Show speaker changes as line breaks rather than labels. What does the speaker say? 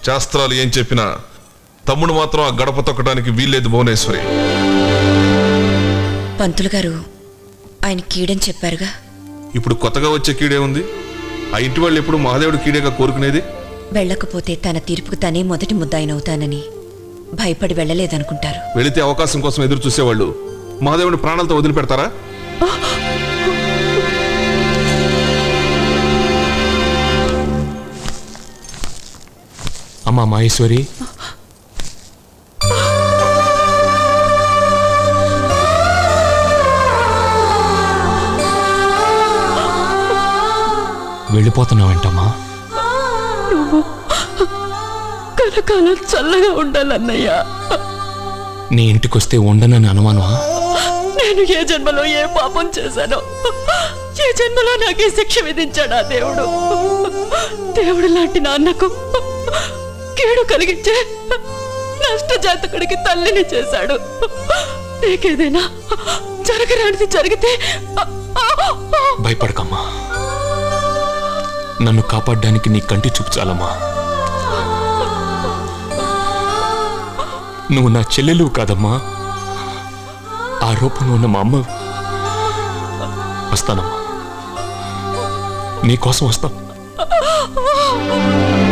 శాస్త్రాలు ఏం చెప్పినా తమ్ముడు మాత్రం ఆ గడప తొక్కడానికి వీల్లేదు భువనేశ్వరి.
పంతులు గారు ఆయన కీడని చెప్పారుగా.
ఇప్పుడు కొత్తగా వచ్చే కీడే ఉంది. ఆ ఇంటి వాళ్ళు ఎప్పుడు మహాదేవుడు కీడేగా కోరుకునేది.
వెళ్ళకపోతే తన తీర్పుకు తనే మొదటి ముద్దాయినవుతానని భయపడి వెళ్ళలేదనుకుంటారు.
వెళితే అవకాశం కోసం ఎదురు చూసేవాళ్ళు మహాదేవుని ప్రాణాలతో వదిలిపెడతారా?
అమ్మా మహేశ్వరి, వెళ్ళిపోతున్నావేంటమ్మా?
నువ్వు కలకాలం చల్లగా ఉండాలన్నయ్యా.
నీ ఇంటికొస్తే ఉండనని అనుమానమా?
నేను ఏ జన్మలో ఏ పాపం చేశానో, ఏ జన్మలో నాకు ఈ శిక్ష విధించాడా దేవుడు. దేవుడు లాంటి నాన్నకు కీడు కలిగించే నష్టజాతకుడికి తల్లిని చేశాడు. నీకేదైనా జరగరానిది జరిగితే
భయపడకమ్మా. నన్ను కాపాడడానికి నీ కంటి చూపు చాలమ్మా. నువ్వు నా చెల్లెలు కాదమ్మా, ఆ రూపంలో ఉన్న మా అమ్మ. వస్తానమ్మా, నీకోసం వస్తా.